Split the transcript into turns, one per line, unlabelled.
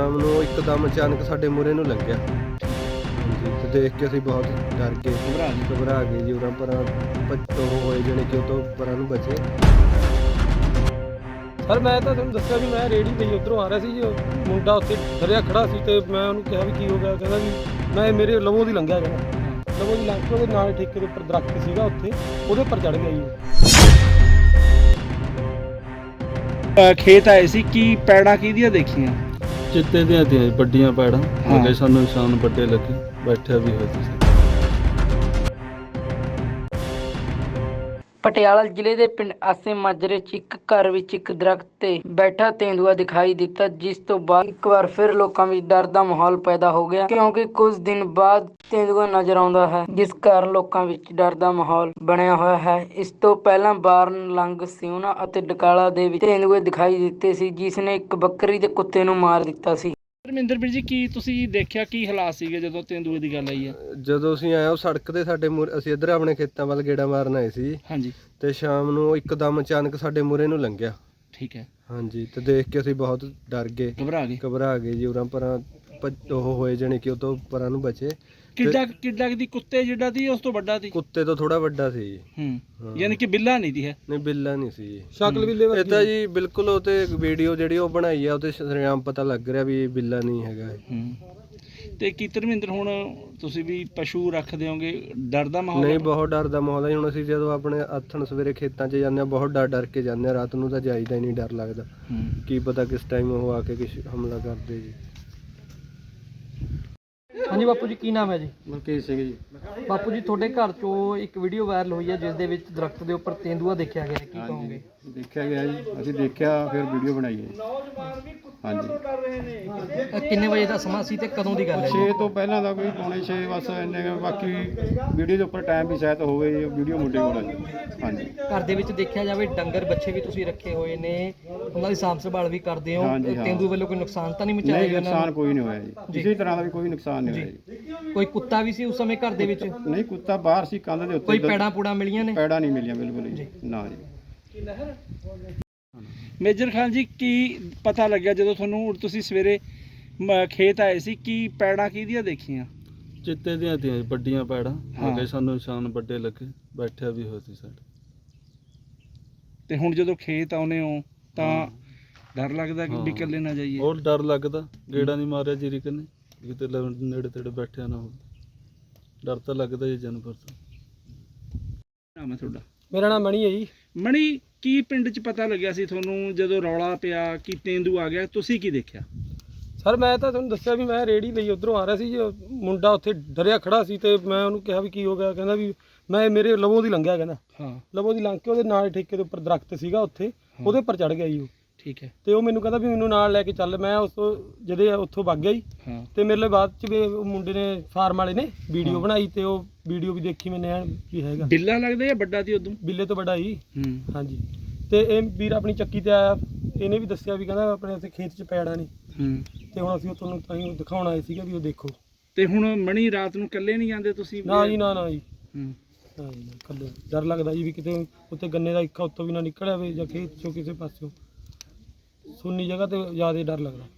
ਸ਼ਾਮ ਨੂੰ ਇੱਕਦਮ ਅਚਾਨਕ ਸਾਡੇ ਮੂਹਰੇ ਨੂੰ ਲੰਘਿਆ। ਹਾਂਜੀ, ਤੇ ਦੇਖ ਕੇ ਅਸੀਂ ਬਹੁਤ ਡਰ ਗਏ, ਘਬਰਾ ਗਏ ਜੀ। ਉਰਾਂ ਪਰਾਂ ਉਹ ਹੋਏ ਜਾਣੀ ਕਿ ਉਹ ਤੋਂ ਪਰਾਂ ਨੂੰ ਬਚੇ।
ਸਰ ਮੈਂ ਤਾਂ ਤੁਹਾਨੂੰ ਦੱਸਿਆ ਵੀ ਮੈਂ ਰੇੜੀ ਲਈ ਉੱਧਰੋਂ ਆ ਰਿਹਾ ਸੀ ਜੀ, ਮੁੰਡਾ ਉੱਥੇ ਡਰਿਆ ਖੜਾ ਸੀ ਤੇ ਮੈਂ ਉਹਨੂੰ ਕਿਹਾ ਵੀ ਕੀ ਹੋ ਗਿਆ, ਕਹਿੰਦਾ ਵੀ ਮੈਂ ਮੇਰੇ ਲਵੋਂ ਦੀ ਲੰਘਿਆ, ਕਹਿੰਦਾ ਲਵੋਂ ਦੀ ਲੰਘ ਕੇ ਉਹਦੇ ਨਾਲ ਠੇਕੇ ਦੇ ਉੱਪਰ ਦਰਖਤ ਸੀਗਾ ਉੱਥੇ, ਉਹਦੇ ਉੱਪਰ ਚੜ੍ਹ ਗਿਆ ਜੀ।
ਖੇਤ ਆਏ ਸੀ, ਕੀ ਪੈੜਾਂ ਕਿਹਦੀਆਂ ਦੇਖੀਆਂ?
ਚਿੱਤੇ ਦੀਆਂ ਤੀਆਂ ਵੱਡੀਆਂ ਪੈੜਾਂ ਲੱਗੇ, ਸਾਨੂੰ ਨਿਸ਼ਾਨ ਵੱਡੇ ਲੱਗੇ, ਬੈਠਿਆ ਵੀ ਹੋਇਆ ਸੀ।
ਪਟਿਆਲਾ ਜ਼ਿਲ੍ਹੇ ਦੇ ਪਿੰਡ ਆਸੇ ਮਾਜਰੇ 'ਚ ਇੱਕ ਘਰ ਵਿੱਚ ਇੱਕ ਦਰਖਤ ਤੇ ਬੈਠਾ ਤੇਂਦੂਆ ਦਿਖਾਈ ਦਿੱਤਾ, ਜਿਸ ਤੋਂ ਬਾਅਦ ਇੱਕ ਵਾਰ ਫਿਰ ਲੋਕਾਂ ਵਿੱਚ ਡਰ ਦਾ ਮਾਹੌਲ ਪੈਦਾ ਹੋ ਗਿਆ, ਕਿਉਂਕਿ ਕੁਝ ਦਿਨ ਬਾਅਦ ਤੇਂਦੂਆ ਨਜ਼ਰ ਆਉਂਦਾ ਹੈ, ਜਿਸ ਕਾਰਨ ਲੋਕਾਂ ਵਿੱਚ ਡਰ ਦਾ ਮਾਹੌਲ ਬਣਿਆ ਹੋਇਆ ਹੈ। ਇਸ ਤੋਂ ਪਹਿਲਾਂ ਬਾਰਨ, ਲੰਗ, ਸਿਉਣਾ ਅਤੇ ਡਕਾਲਾ ਦੇ ਵਿੱਚ ਤੇਂਦੂਏ ਦਿਖਾਈ ਦਿੱਤੇ ਸੀ, ਜਿਸ ਨੇ ਇੱਕ ਬੱਕਰੀ ਦੇ ਕੁੱਤੇ ਨੂੰ ਮਾਰ ਦਿੱਤਾ ਸੀ।
ਧਰਮਿੰਦਰ ਵੀਰ ਜੀ, ਕੀ ਤੁਸੀਂ ਦੇਖਿਆ, ਕੀ ਹਾਲਾਤ ਸੀਗੇ ਜਦੋਂ ਤੇਂਦੂਏ ਦੀ ਗੱਲ ਆਈ ਹੈ?
ਜਦੋਂ ਅਸੀਂ ਆਏ ਉਹ ਸੜਕ ਤੇ ਸਾਡੇ ਮੂਹਰੇ, ਅਸੀਂ ਇੱਧਰ ਆਪਣੇ ਖੇਤਾਂ ਵੱਲ ਗੇੜਾ ਮਾਰਨ ਆਏ ਸੀ
ਹਾਂਜੀ,
ਤੇ ਸ਼ਾਮ ਨੂੰ ਇੱਕਦਮ ਅਚਾਨਕ ਸਾਡੇ ਮੂਹਰੇ ਨੂੰ ਲੰਘਿਆ।
ਠੀਕ ਹੈ।
ਹਾਂਜੀ, ਤੇ ਦੇਖ ਕੇ ਅਸੀਂ ਬਹੁਤ ਡਰ ਗਏ, ਘਬਰਾ ਗਏ ਜੀ। ਉਰਾਂ ਪਰਾਂ ਉਹ ਹੋਏ ਜਾਣੀ ਕਿ ਉਹ ਤੋਂ ਪਰਾਂ ਨੂੰ ਬਚੇ।
ਕਿੱਡਾ ਦੀ ਕੁੱਤੇ ਜਿੱਡਾ ਸੀ, ਉਸ ਤੋਂ ਵੱਡਾ ਸੀ?
ਕੁੱਤੇ ਤੋਂ ਥੋੜਾ ਵੱਡਾ ਸੀ ਜੀ।
ਯਾਨੀ ਕਿ ਬਿੱਲਾ ਨਹੀਂ ਦੀ ਹੈ?
ਨਹੀਂ, ਬਿੱਲਾ ਨਹੀਂ ਸੀ ਜੀ,
ਸ਼ਕਲ ਬਿੱਲੇ
ਇਹ ਤਾਂ ਜੀ ਬਿਲਕੁਲ। ਉਹ ਤੇ ਵੀਡੀਓ ਜਿਹੜੀ ਉਹ ਬਣਾਈ ਆ ਉਹ ਤੇ ਸ਼ਰੇਆਮ ਪਤਾ ਲੱਗ ਰਿਹਾ ਵੀ ਬਿੱਲਾ ਨਹੀਂ ਹੈਗਾ।
ਤੇ ਕੀ ਧਰਮਿੰਦਰ, ਹੁਣ ਤੁਸੀਂ ਵੀ ਪਸ਼ੂ ਰੱਖਦੇ ਹੋਗੇ, ਡਰ ਦਾ ਮਾਹੌਲ?
ਨਹੀਂ, ਬਹੁਤ ਡਰ ਦਾ ਮਾਹੌਲ ਹੈ। ਹੁਣ ਅਸੀਂ ਜਦੋਂ ਆਪਣੇ ਆਥਣ ਸਵੇਰੇ ਖੇਤਾਂ 'ਚ ਜਾਂਦੇ ਹਾਂ, ਬਹੁਤ ਡਰ ਕੇ ਜਾਂਦੇ ਹਾਂ। ਰਾਤ ਨੂੰ ਤਾਂ ਜਾਈਦਾ ਹੀ ਨਹੀਂ, ਡਰ ਲੱਗਦਾ, ਕੀ ਪਤਾ ਕਿਸ ਟਾਈਮ ਉਹ ਆ ਕੇ ਕੁਛ ਹਮਲਾ ਕਰਦੇ ਜੀ।
ਹਾਂਜੀ ਬਾਪੂ ਜੀ, ਕੀ ਨਾਮ ਹੈ ਜੀ?
ਮਲਕੀਤ ਸਿੰਘ ਜੀ।
ਬਾਪੂ ਜੀ, ਤੁਹਾਡੇ ਘਰ 'ਚੋਂ ਇੱਕ ਵੀਡੀਓ ਵਾਇਰਲ ਹੋਈ ਹੈ, ਜਿਸ ਦੇ ਵਿੱਚ ਦਰਖਤ ਦੇ ਉੱਪਰ ਤੇਂਦੂਆ ਦੇਖਿਆ ਗਿਆ, ਕੀ ਕਹੋਗੇ?
ਦੇਖਿਆ ਗਿਆ ਜੀ, ਅਸੀਂ ਦੇਖਿਆ, ਫਿਰ ਵੀਡੀਓ ਬਣਾਈ ਹੈ। ਹਾਂਜੀ,
ਕਿੰਨੇ ਵਜੇ ਦਾ ਸਮਾਂ ਸੀ ਤੇ ਕਦੋਂ ਦੀ ਗੱਲ ਹੈ?
6 ਤੋਂ ਪਹਿਲਾਂ ਦਾ ਕੋਈ ਪੌਣੇ 6 ਬਸ ਇੰਨੇ ਕੁ। ਬਾਕੀ ਵੀਡੀਓ ਦੇ ਉੱਪਰ ਟਾਈਮ ਵੀ ਸ਼ਾਇਦ ਹੋਵੇ, ਵੀਡੀਓ ਮੁੰਡੇ ਕੋਲ ਹੈ। ਹਾਂਜੀ,
ਘਰ ਦੇ ਵਿੱਚ ਦੇਖਿਆ ਜਾਵੇ ਡੰਗਰ ਬੱਚੇ ਵੀ ਤੁਸੀਂ ਰੱਖੇ ਹੋਏ ਨੇ, ਉਹਨਾਂ ਦੀ ਸਾਂਭ ਸੰਭਾਲ ਵੀ ਕਰਦੇ ਹੋ,
ਹਾਂਜੀ, ਹਾਂ।
ਤੇਂਦੂ ਵੱਲੋਂ ਕੋਈ ਨੁਕਸਾਨ ਤਾਂ ਨਹੀਂ ਮਚਾਇਆ
ਨਹੀਂ,
ਗਿਆ?
ਨੁਕਸਾਨ ਕੋਈ ਨਹੀਂ ਹੋਇਆ ਜੀ, ਕਿਸੇ ਤਰ੍ਹਾਂ ਦਾ ਵੀ ਕੋਈ ਨੁਕਸਾਨ ਨਹੀਂ ਹੋਇਆ ਜੀ।
ਕੋਈ ਕੁੱਤਾ ਵੀ ਸੀ ਉਸ ਸਮੇਂ ਘਰ ਦੇ ਵਿੱਚ?
ਨਹੀਂ, ਕੁੱਤਾ ਬਾਹਰ ਸੀ ਕੰਧ ਦੇ ਉੱਤੇ।
ਕੋਈ ਪੈੜਾਂ ਪੂੜਾਂ ਮਿਲੀਆਂ ਨੇ?
ਪੈੜਾਂ ਨਹੀਂ ਮਿਲੀਆਂ ਬਿਲਕੁਲ ਜੀ, ਨਾ ਜੀ।
ਮੇਜਰ ਖਾਨ ਜੀ, ਕੀ ਪਤਾ ਲੱਗਿਆ ਜਦੋਂ ਤੁਹਾਨੂੰ, ਤੁਸੀਂ ਸਵੇਰੇ ਖੇਤ ਆਏ ਸੀ, ਕੀ ਪੈੜਾਂ ਕਿਹਦੀਆਂ ਦੇਖੀਆਂ?
ਚਿੱਤੇ ਦੀਆਂ ਤੀਆਂ ਵੱਡੀਆਂ ਪੈੜਾਂ ਲੱਗੇ, ਸਾਨੂੰ ਨਿਸ਼ਾਨ ਵੱਡੇ ਲੱਗੇ, ਬੈਠਿਆ ਵੀ ਹੋਇਆ ਸੀ ਸਾਡੇ।
ਤੇ ਹੁਣ ਜਦੋਂ ਖੇਤ ਆਉਨੇ ਹੋ ਤਾਂ ਡਰ ਲੱਗਦਾ ਕਿ ਵੀ ਇਕੱਲੇ ਨਾ ਜਾਈਏ?
ਹੋਰ ਡਰ ਲੱਗਦਾ, ਗੇੜਾ ਨਹੀਂ ਮਾਰਿਆ ਜੀਰੀ ਕਨੇ, ਕਿਤੇ ਨੇੜੇ ਤੇੜੇ ਬੈਠਿਆ ਨਾ ਹੋਵੇ, ਡਰ ਤਾਂ ਲੱਗਦਾ ਜੀ ਜਾਨਵਰ ਤੋਂ।
ਨਾਮ ਹੈ ਤੁਹਾਡਾ?
ਮੇਰਾ ਨਾਮ ਮਣੀ ਹੈ ਜੀ।
ਮਣੀ, ਕੀ ਪਿੰਡ 'ਚ ਪਤਾ ਲੱਗਿਆ ਸੀ ਤੁਹਾਨੂੰ ਜਦੋਂ ਰੌਲਾ ਪਿਆ ਕਿ ਤੇਂਦੂ ਆ ਗਿਆ? ਤੁਸੀਂ ਕੀ ਦੇਖਿਆ?
ਸਰ ਮੈਂ ਤਾਂ ਤੁਹਾਨੂੰ ਦੱਸਿਆ ਵੀ ਮੈਂ ਰੇੜੀ ਲਈ ਉੱਧਰੋਂ ਆ ਰਿਹਾ ਸੀ ਜੀ, ਮੁੰਡਾ ਉੱਥੇ ਡਰਿਆ ਖੜਾ ਸੀ ਤੇ ਮੈਂ ਉਹਨੂੰ ਕਿਹਾ ਵੀ ਕੀ ਹੋ ਗਿਆ, ਕਹਿੰਦਾ ਵੀ ਮੈਂ ਮੇਰੇ ਲਵੋਂ ਦੀ ਲੰਘਿਆ, ਕਹਿੰਦਾ ਲਵੋਂ ਦੀ ਲੰਘ ਕੇ ਉਹਦੇ ਨਾਲ ਠੇਕੇ ਦੇ ਉੱਪਰ ਦਰਖਤ ਸੀਗਾ ਉੱਥੇ, ਉਹਦੇ ਉੱਪਰ ਚੜ੍ਹ ਗਿਆ ਜੀ ਉਹ।
ਠੀਕ ਹੈ।
ਤੇ ਉਹ ਮੈਨੂੰ ਕਹਿੰਦਾ ਵੀ ਮੈਨੂੰ ਨਾਲ ਲੈ ਕੇ ਚੱਲ। ਮੈਂ ਉਸ ਤੋਂ ਜਦੇ ਉੱਥੋਂ ਵਗ ਗਿਆ ਜੀ। ਤੇ ਮੇਰੇ ਲਈ ਬਾਅਦ ਚ ਵੀ ਉਹ ਮੁੰਡੇ ਨੇ, ਫਾਰਮ ਵਾਲੇ ਨੇ ਵੀਡੀਓ ਬਣਾਈ ਤੇ ਉਹ ਵੀਡੀਓ ਵੀ ਦੇਖੀ ਮੈਨੇ ਵੀ ਹੈਗਾ।
ਬਿੱਲਾ ਲੱਗਦਾ ਜਾਂ ਵੱਡਾ ਸੀ ਉਦੋਂ?
ਬਿੱਲੇ ਤੋਂ ਵੱਡਾ ਜੀ। ਹਾਂਜੀ, ਤੇ ਇਹ ਵੀਰ ਆਪਣੀ ਚੱਕੀ ਤੇ ਆਇਆ, ਇਹਨੇ ਵੀ ਦੱਸਿਆ ਵੀ ਕਹਿੰਦਾ ਆਪਣੇ ਉੱਥੇ ਖੇਤ 'ਚ ਪੈੜਾ ਨਹੀਂ। ਤੇ ਹੁਣ ਅਸੀਂ ਉਹ ਤੁਹਾਨੂੰ ਤਾਂ ਹੀ ਦਿਖਾਉਣ ਆਏ ਸੀਗੇ ਵੀ ਉਹ ਦੇਖੋ।
ਤੇ ਹੁਣ ਮਣੀ, ਰਾਤ ਨੂੰ ਇਕੱਲੇ ਨਹੀਂ ਜਾਂਦੇ ਤੁਸੀਂ?
ਨਾ ਜੀ, ਨਾ ਜੀ। ਹਾਂ ਜੀ, ਇਕੱਲੇ ਡਰ ਲੱਗਦਾ ਜੀ ਵੀ ਕਿਤੇ ਉੱਤੇ ਗੰਨੇ ਦਾ ਇੱਕਾ ਉੱਤੋਂ ਵੀ ਨਾ ਨਿਕਲਿਆ ਹੋਵੇ ਜਾਂ ਖੇਤ 'ਚੋਂ ਕਿਸੇ ਪਾਸਿਓਂ। ਸੁੰਨੀ ਜਗ੍ਹਾ ਤੇ ਜ਼ਿਆਦਾ ਡਰ ਲੱਗਦਾ।